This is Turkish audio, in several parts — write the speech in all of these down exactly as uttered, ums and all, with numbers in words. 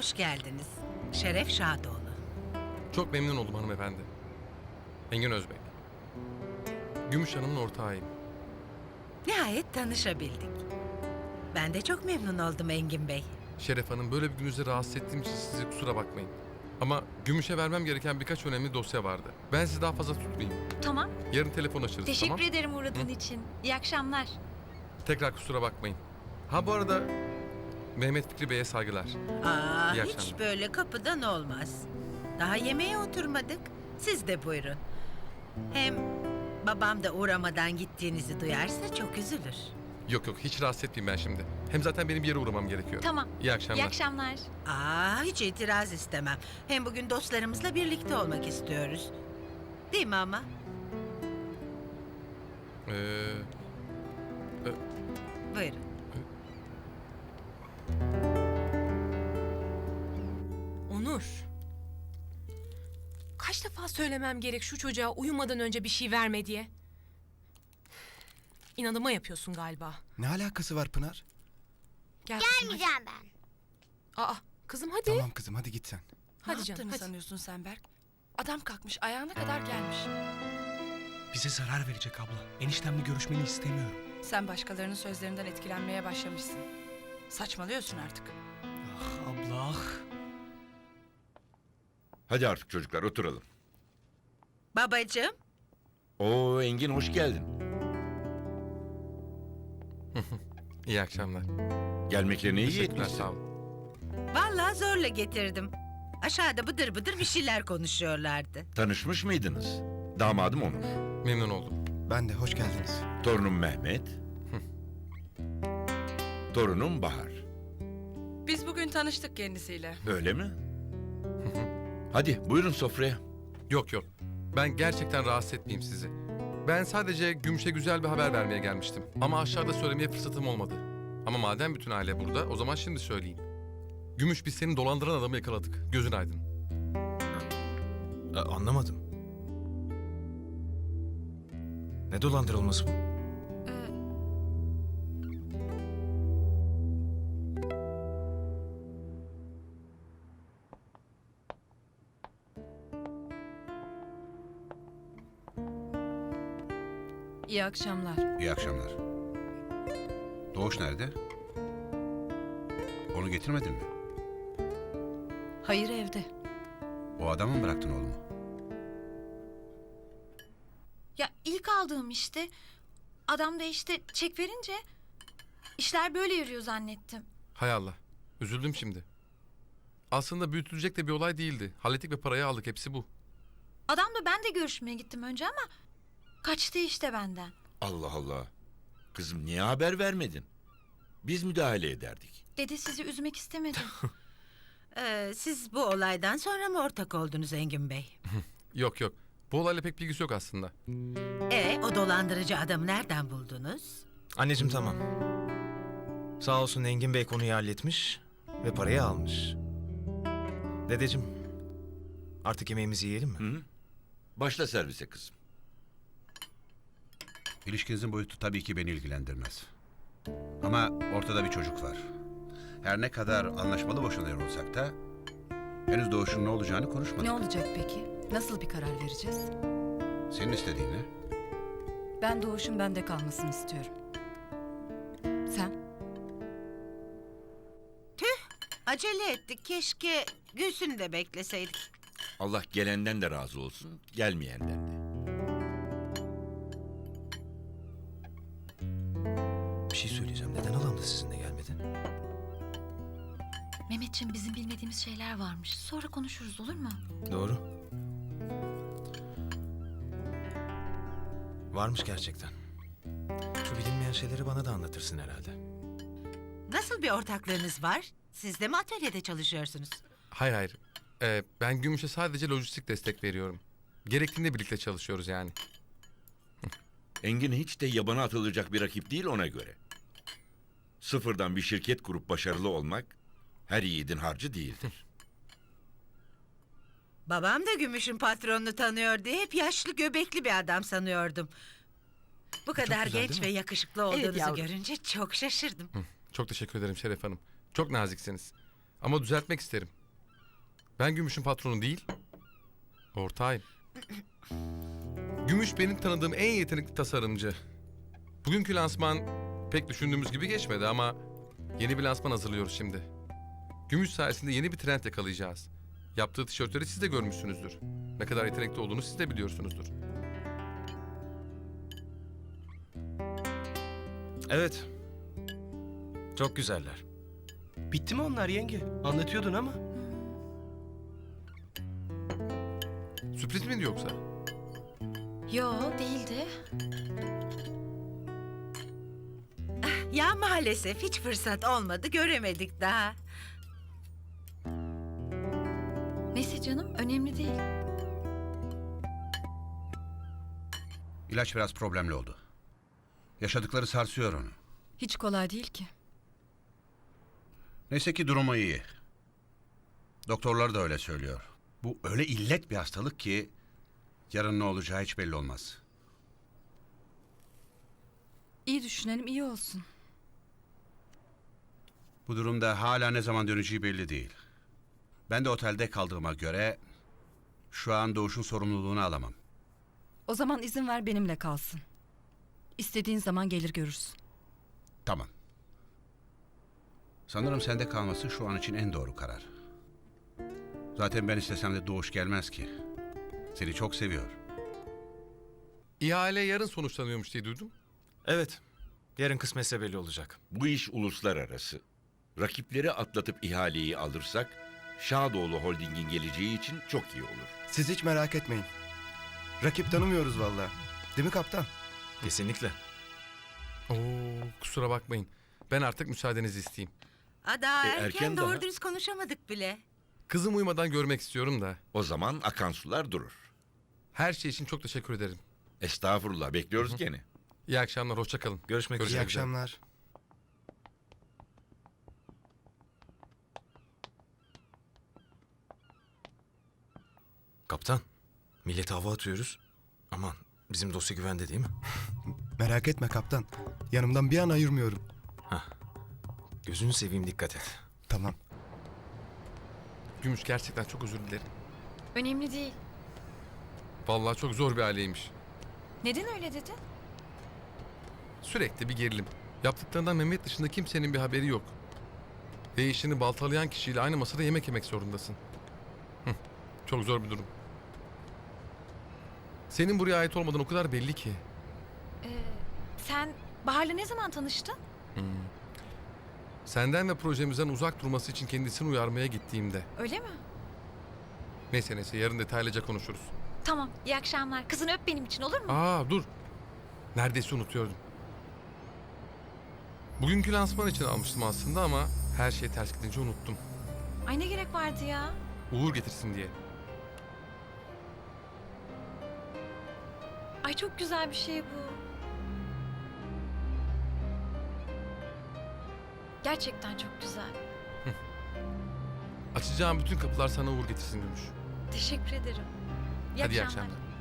hoş geldiniz. Şeref Şadoğlu. Çok memnun oldum hanımefendi. Engin Özbek. Gümüş Hanım'ın ortağıyım. Nihayet tanışabildik. Ben de çok memnun oldum Engin Bey. Şeref Hanım, böyle bir gününüzde rahatsız ettiğim için sizi kusura bakmayın. Ama Gümüş'e vermem gereken birkaç önemli dosya vardı. Ben sizi daha fazla tutmayayım. Tamam. Yarın telefon açarız, Teşekkür tamam? ederim uğradığın için. İyi akşamlar. Tekrar kusura bakmayın. Ha bu arada Mehmet Fikri Bey'e saygılar. Aa, İyi hiç akşamlar. böyle kapıdan olmaz. Daha yemeğe oturmadık. Siz de buyurun. Hem babam da uğramadan gittiğinizi duyarsa çok üzülür. Yok yok, hiç rahatsız etmeyeyim ben şimdi. Hem zaten benim bir yere uğramam gerekiyor. Tamam. İyi akşamlar. İyi akşamlar. Aa, hiç itiraz istemem. Hem bugün dostlarımızla birlikte olmak istiyoruz. Değil mi ama? Ee, Buyurun. Onur. Kaç defa söylemem gerek şu çocuğa uyumadan önce bir şey verme diye. İnadıma yapıyorsun galiba. Ne alakası var Pınar? Gel kızım, Gelmeyeceğim ben. hadi. Aa, kızım hadi. Tamam kızım hadi git sen. Hadi Ne canım yaptığını hadi. sanıyorsun sen Berk? Adam kalkmış ayağına kadar gelmiş. Bize zarar verecek abla. Eniştemle görüşmeni istemiyorum. Sen başkalarının sözlerinden etkilenmeye başlamışsın. Saçmalıyorsun artık. Ah abla ah. Hadi artık çocuklar oturalım. Babacığım, Oo Engin hoş geldin. iyi akşamlar. Gelmeklerine iyi Teşekkürler, etmişsin. sağ olun. vallahi zorla getirdim. Aşağıda bıdır bıdır bir şeyler konuşuyorlardı. Tanışmış mıydınız? Damadım Onur. Memnun oldum. Ben de hoş geldiniz. Torunum Mehmet. Torunum Bahar. Biz bugün tanıştık kendisiyle. Öyle mi? Hadi buyurun sofraya. Yok yok, ben gerçekten rahatsız etmeyeyim sizi. Ben sadece Gümüş'e güzel bir haber vermeye gelmiştim. Ama aşağıda söylemeye fırsatım olmadı. Ama madem bütün aile burada, o zaman şimdi söyleyeyim. Gümüş, biz seni dolandıran adamı yakaladık. Gözün aydın. A- anlamadım. Ne dolandırılması bu? İyi akşamlar. İyi akşamlar. Doğuş nerede? Onu getirmedin mi? Hayır evde. O adamı mı bıraktın oğlumu? Ya ilk aldığım işte. Adam da işte çek verince işler böyle yürüyor zannettim. Hay Allah, üzüldüm şimdi. Aslında büyütülecek de bir olay değildi. Hallettik ve parayı aldık, hepsi bu. Adamla ben de görüşmeye gittim önce ama kaçtı işte benden. Allah Allah. Kızım niye haber vermedin? Biz müdahale ederdik. Dedi sizi üzmek istemedim. Ee, siz bu olaydan sonra mı ortak oldunuz Engin Bey? Yok yok, bu olayla pek bilgisi yok aslında. E, o dolandırıcı adamı nereden buldunuz? Anneciğim tamam. Sağ olsun Engin Bey konuyu halletmiş ve parayı almış. Dedeciğim artık yemeğimizi yiyelim mi? Hı hı. Başla servise kızım. İlişkinizin boyutu tabii ki beni ilgilendirmez. Ama ortada bir çocuk var. Her ne kadar anlaşmalı boşanıyor olsak da henüz Doğuş'un ne olacağını konuşmadık. Ne olacak peki? Nasıl bir karar vereceğiz? Senin istediğin ne? Ben Doğuş'un bende kalmasını istiyorum. Sen? Acele ettik. Keşke Gülsün'ü de bekleseydik. Allah gelenden de razı olsun, gelmeyenden de. Bir şey söyleyeceğim. Neden halam da sizinle gelmedi? Mehmetciğim bizim bilmediğimiz şeyler varmış. Sonra konuşuruz olur mu? Doğru. Varmış gerçekten. Şu bilinmeyen şeyleri bana da anlatırsın herhalde. Nasıl bir ortaklığınız var? Siz de mi atölyede çalışıyorsunuz? Hayır hayır, Ee, ben Gümüş'e sadece lojistik destek veriyorum. Gerektiğinde birlikte çalışıyoruz yani. Engin hiç de yabana atılacak bir rakip değil ona göre. Sıfırdan bir şirket kurup başarılı olmak her yiğidin harcı değildir. Babam da Gümüş'ün patronunu tanıyor diye hep yaşlı göbekli bir adam sanıyordum. Bu kadar güzel, genç değil ve mi? yakışıklı olduğunuzu yavrum. görünce çok şaşırdım. Çok teşekkür ederim Şeref Hanım. Çok naziksiniz. Ama düzeltmek isterim. Ben Gümüş'ün patronu değil, ortağıyım. Gümüş benim tanıdığım en yetenekli tasarımcı. Bugünkü lansman pek düşündüğümüz gibi geçmedi ama yeni bir lansman hazırlıyoruz şimdi. Gümüş sayesinde yeni bir trend yakalayacağız. Yaptığı tişörtleri siz de görmüşsünüzdür. Ne kadar yetenekli olduğunu siz de biliyorsunuzdur. Evet. Çok güzeller. Bitti mi onlar yenge? Anlatıyordun ama. Sürpriz miydi yoksa? Yo değildi. Ya maalesef hiç fırsat olmadı, göremedik daha. Neyse canım önemli değil. İlaç biraz problemli oldu. Yaşadıkları sarsıyor onu. Hiç kolay değil ki. Neyse ki durumu iyi. Doktorlar da öyle söylüyor. Bu öyle illet bir hastalık ki yarın ne olacağı hiç belli olmaz. İyi düşünelim, iyi olsun. Bu durumda hala ne zaman döneceği belli değil. Ben de otelde kaldığıma göre şu an Doğuş'un sorumluluğunu alamam. O zaman izin ver benimle kalsın. İstediğin zaman gelir görürsün. Tamam. Sanırım sende kalması şu an için en doğru karar. Zaten ben istesem de Doğuş gelmez ki. Seni çok seviyor. İhale yarın sonuçlanıyormuş diye duydum. Evet. Yarın kısmetse belli olacak. Bu iş uluslararası. Rakipleri atlatıp ihaleyi alırsak Şadoğlu Holding'in geleceği için çok iyi olur. Siz hiç merak etmeyin. Rakip tanımıyoruz vallahi. Değil mi kaptan? Kesinlikle. Oo, kusura bakmayın. Ben artık müsaadenizi isteyeyim. Aa, daha E, erken, erken doğru daha. dürüst konuşamadık bile. Kızım uyumadan görmek istiyorum da. O zaman akan sular durur. Her şey için çok teşekkür ederim. Estağfurullah, bekliyoruz gene. İyi akşamlar, hoşça kalın. Görüşmek Görüşmek İyi üzere. üzere. akşamlar. Kaptan, millete hava atıyoruz. Aman, bizim dosya güvende değil mi? Merak etme kaptan. Yanımdan bir an ayırmıyorum. Gözünü seveyim, dikkat et. Tamam. Gümüş, gerçekten çok özür dilerim. Önemli değil. Vallahi çok zor bir aileymiş. Neden öyle dedin? Sürekli bir gerilim. Yaptıklarından Mehmet dışında kimsenin bir haberi yok. Ve işini baltalayan kişiyle aynı masada yemek yemek zorundasın. Hıh, çok zor bir durum. Senin buraya ait olmadan o kadar belli ki. Ee, sen Bahar'la ne zaman tanıştın? Senden ve projemizden uzak durması için kendisini uyarmaya gittiğimde. Öyle mi? Neyse neyse, yarın detaylıca konuşuruz. Tamam, iyi akşamlar. Kızını öp benim için olur mu? Aa dur. Neredeyse unutuyordum. Bugünkü lansman için almıştım aslında ama her şey ters gidince unuttum. Ay ne gerek vardı ya? Uğur getirsin diye. Ay çok güzel bir şey bu. Gerçekten çok güzel. Açacağım bütün kapılar sana uğur getirsin Gümüş. Teşekkür ederim. İyi Hadi iyi akşamlar. akşamlar.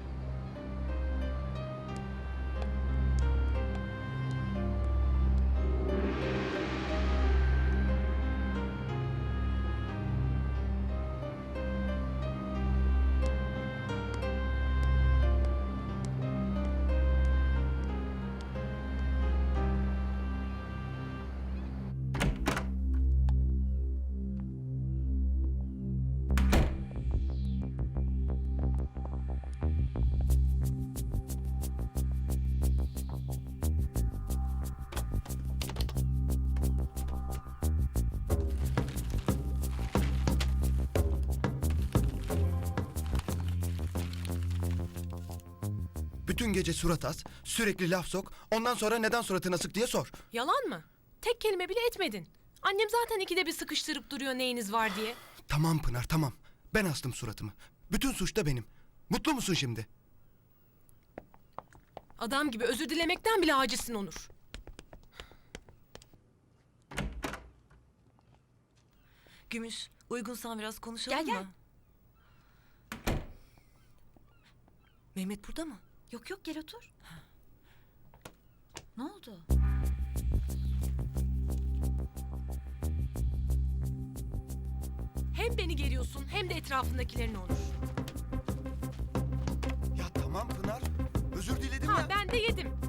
Bütün gece surat as, sürekli laf sok. Ondan sonra neden suratına sık diye sor. Yalan mı? Tek kelime bile etmedin. Annem zaten ikide bir sıkıştırıp duruyor neyiniz var diye. Tamam Pınar tamam. Ben astım suratımı. Bütün suç da benim. Mutlu musun şimdi? Adam gibi özür dilemekten bile acizsin Onur. Gümüş, uygunsan biraz konuşalım Gel, gel. mı? Mehmet burada mı? Yok yok gel otur. Ne oldu? Hem beni geriyorsun hem de etrafındakilerini Onur. Ya tamam Pınar. Özür diledim Ha ya. ben de yedim.